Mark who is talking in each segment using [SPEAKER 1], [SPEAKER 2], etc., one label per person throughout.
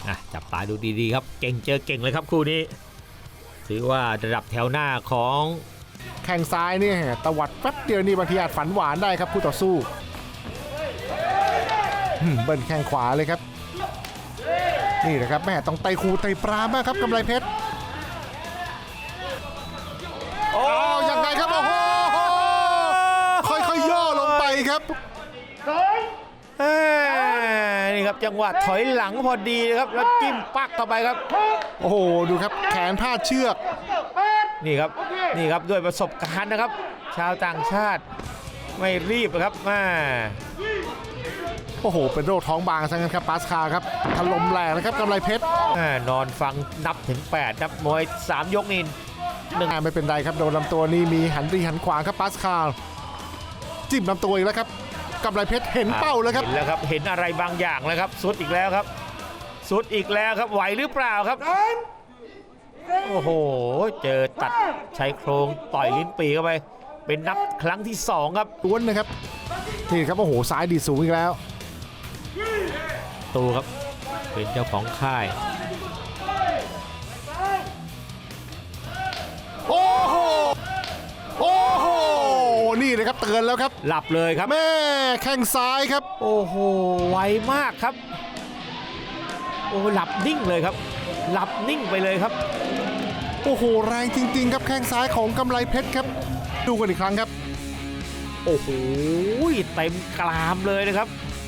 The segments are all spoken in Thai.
[SPEAKER 1] จับตาดูดีๆครับเก่งเจอเก่งเลยครับคู่นี้ถือว่าระดับแถวหน้าของ
[SPEAKER 2] แข้งซ้ายนี่ตวัดแป๊บเดียวนี่บางทีอาจฝันหวานได้ครับคู่ต่อสู้เบิ้ลแข้งขวาเลยครับนี่นะครับแม่ต้องไต่คูไต่ปรามากครับกำไรเพชรยังไงครับโอ้โหค่อยๆย่อลงไปครับ
[SPEAKER 1] นี่ครับจังหวะถอยหลังพอดีครับแล้วจิ้มปักเข้าไปครับ
[SPEAKER 2] โอ้โหดูครับแขนพาดเชือก
[SPEAKER 1] นี่ครับด้วยประสบการณ์นะครับชาวต่างชาติไม่รีบครับ
[SPEAKER 2] โอ้โหเป็นโรคท้องบางซะงั้นครับปาสคาครับถล่มแรงนะครับกำไรเพชร
[SPEAKER 1] นอนฟังนับถึง8นับมวย3ยกนี่
[SPEAKER 2] ไม่เป็นไรครับโดนลำตัวนี่มีหันดีหันขวาครับปาสคาจิ้มลำตัวอีกแล้วครับกำไรเพชรเห็นเป้าแล้วครับ
[SPEAKER 1] เห็นแล้วครับเห็นอะไรบางอย่างแล้วครับสุดอีกแล้วครับสุดอีกแล้วครับไหวหรือเปล่าครับโอ้โหเจอตัดชายโครงต่อยลิ้นปีเข้าไปเป็นนับครั้งที่2ครับ
[SPEAKER 2] ล้วนนะครับนี่ครับโอ้โหซ้ายดีสูงอีกแล้ว
[SPEAKER 1] ตูครับเป็นเจ้าของค่าย
[SPEAKER 2] โอ้โหนี่เลยครับเตือนแล้วครับ
[SPEAKER 1] หลับเลยครับ
[SPEAKER 2] แม่แข้งซ้ายครับ
[SPEAKER 1] โอ้โหไวมากครับโอ้หลับนิ่งเลยครับหลับนิ่งไปเลยครับ
[SPEAKER 2] โอ้โหแรงจริงๆครับแข้งซ้ายของกำไรเพชรครับดูกันอีกครั้งครับ
[SPEAKER 1] โอ้โหเต็มกรามเลยนะครับ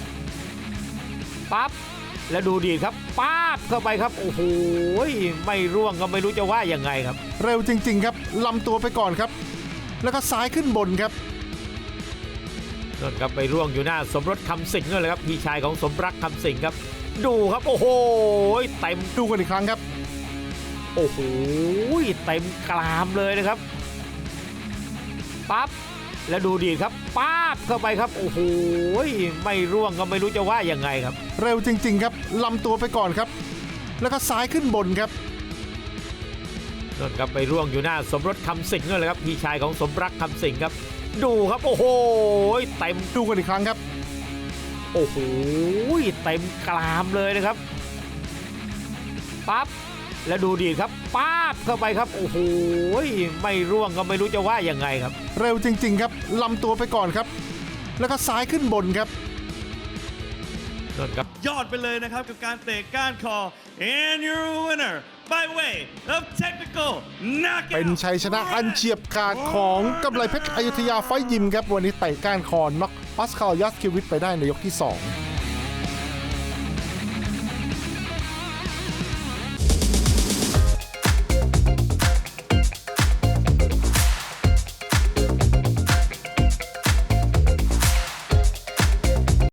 [SPEAKER 1] ปั๊บแล้วดูดีครับป๊าบเข้าไปครับโอ้โหไม่ร่วงก็ไม่รู้จะว่ายังไงครับ
[SPEAKER 2] เร็วจริงๆครับลำตัวไปก่อนครับแล้วก็ซ้ายขึ้นบนครับ
[SPEAKER 1] นั่นครับไปร่วงอยู่หน้าสมรสคำสิงห์เลยครับพี่ชายของสมรักคำสิงห์ครับดูครับโอ้โหเต็ม
[SPEAKER 2] ดูกันอีกครั้งครับ
[SPEAKER 1] โอ้โหเต็มกรามเลยนะครับปั๊บแล้วดูดีครับป๊าบเข้าไปครับโอ้โหไม่ร่วงก็ไม่รู้จะว่ายังไงครับ
[SPEAKER 2] เร็วจริงๆครับลำตัวไปก่อนครับแล้วก็ซ้ายขึ้นบนครับ
[SPEAKER 1] นั่นครับไปร่วงอยู่หน้าสมรสคำสิงห์เลยครับพี่ชายของสมรักคำสิงห์ครับดูครับโอ้โหเต็ม
[SPEAKER 2] ดูกันอีกครั้งครับ
[SPEAKER 1] โอ้โหเต็มกรามเลยนะครับปั๊บแล้วดูดีครับป๊าบเข้าไปครับโอ้โหไม่ร่วงก็ไม่รู้จะว่ายังไงครับ
[SPEAKER 2] เร็วจริงๆครับลำตัวไปก่อนครับแล้วก็ซ้ายขึ้นบนครับ
[SPEAKER 1] นั่นครับ
[SPEAKER 3] ยอดไปเลยนะครับกับการเตะก้านคอ and your winner by way of technical knockout
[SPEAKER 2] เป็นชัยชนะอันเฉียบขาดของกำไรเพชรอยุธยาไฟยิมครับวันนี้เตะก้านคอน็อกปาสคาลยัสคิวิชไปได้ในยกที่2